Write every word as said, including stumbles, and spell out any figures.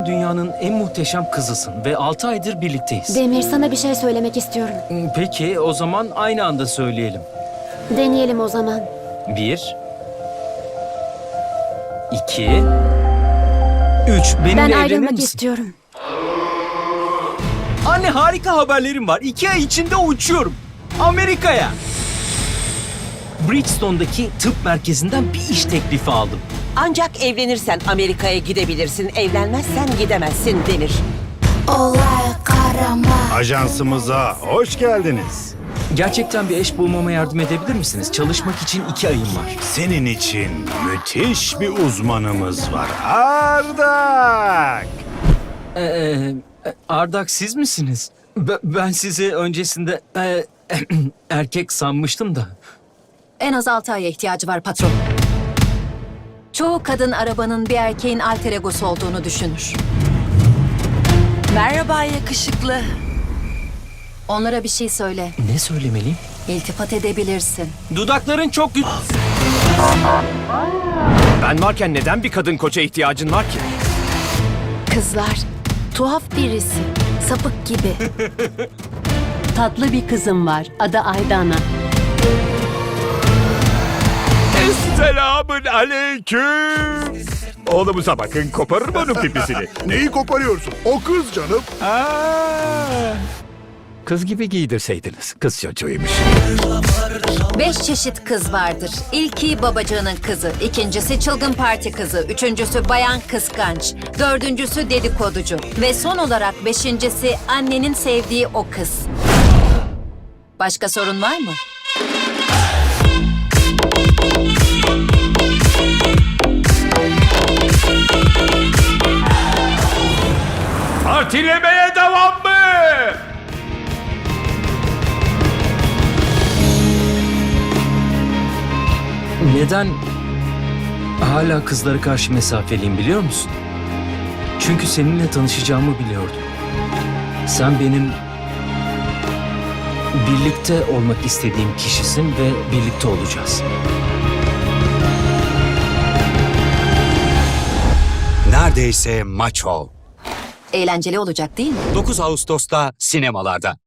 dünyanın en muhteşem kızısın ve altı aydır birlikteyiz. Demir, sana bir şey söylemek istiyorum. Peki, o zaman aynı anda söyleyelim. Deneyelim o zaman. Bir, iki, üç. Benimle Ben evlenir ayrılmak misin? istiyorum. Anne, harika haberlerim var. İki ay içinde uçuyorum. Amerika'ya. Bridgestone'daki tıp merkezinden bir iş teklifi aldım. Ancak evlenirsen Amerika'ya gidebilirsin, evlenmezsen gidemezsin Demir. Ajansımıza hoş geldiniz. Gerçekten bir eş bulmama yardım edebilir misiniz? Çalışmak için iki ayım var. Senin için müthiş bir uzmanımız var. Ardak! Ee, e, Ardak, siz misiniz? Be- ben sizi öncesinde e, erkek sanmıştım da. En az altı aya ihtiyacı var patron. Çoğu kadın arabanın bir erkeğin alter egosu olduğunu düşünür. Merhaba yakışıklı. Onlara bir şey söyle. Ne söylemeliyim? İltifat edebilirsin. Dudakların çok güzel. Ben varken neden bir kadın koça ihtiyacın var ki? Kızlar, tuhaf birisi. Sapık gibi. Tatlı bir kızım var. Adı Aydana. Selamün aleyküm. Oğlumuza bakın, koparır mı onun pipisini? Neyi koparıyorsun? O kız canım. Aa, kız gibi giydirseydiniz. Kız çocuğuymuş. Beş çeşit kız vardır. İlki babacığının kızı, ikincisi çılgın parti kızı, üçüncüsü bayan kıskanç, dördüncüsü dedikoducu ve son olarak beşincisi annenin sevdiği o kız. Başka sorun var mı? Partilemeye devam mı? Neden hala kızlara karşı mesafeliyim biliyor musun? Çünkü seninle tanışacağımı biliyordum. Sen benim birlikte olmak istediğim kişisin ve birlikte olacağız. Neredeyse maço. Eğlenceli olacak değil mi? dokuz Ağustos'ta sinemalarda.